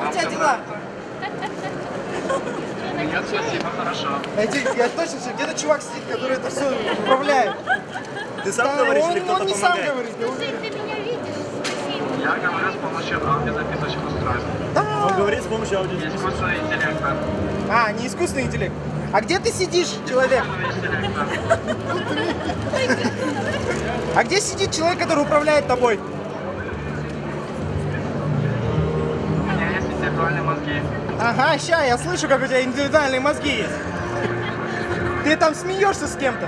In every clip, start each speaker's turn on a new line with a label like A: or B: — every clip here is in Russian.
A: у тебя дела?
B: Нет, спасибо, хорошо.
A: Я точно все, где-то чувак сидит, который это все управляет.
C: Ты сам говоришь или кто-то
A: Он не сам
C: помогает?
A: говорит, я уверен.
D: Ты меня видишь? Спасибо.
B: Я говорю с помощью аудиозаписочных устройств.
C: Он говорит с помощью аудио.
B: Искусственного интеллекта.
A: А, не искусственный интеллект. А где ты сидишь, человек?
B: Искусственного интеллекта.
A: А где сидит человек, который управляет тобой?
B: У меня есть интеллектуальные мозги.
A: Ага, ща, я слышу, как у тебя индивидуальные мозги есть. Ты там смеешься с кем-то.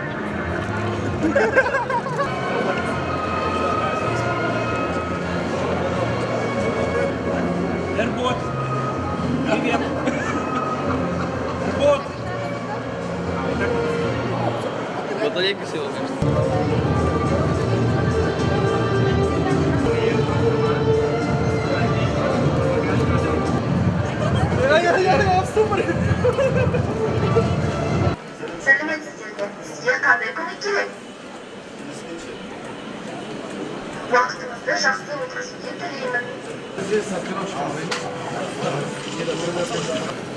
C: Эрбот. Привет. Эрбот.
E: Батарейка села, конечно.
A: Я в ступоре.
F: Сәлеметсіздер ме? Сізге қандай көмек керек? Уақытыңызды жақсы өткізуге тілеймін.
A: Здесь на пирожку.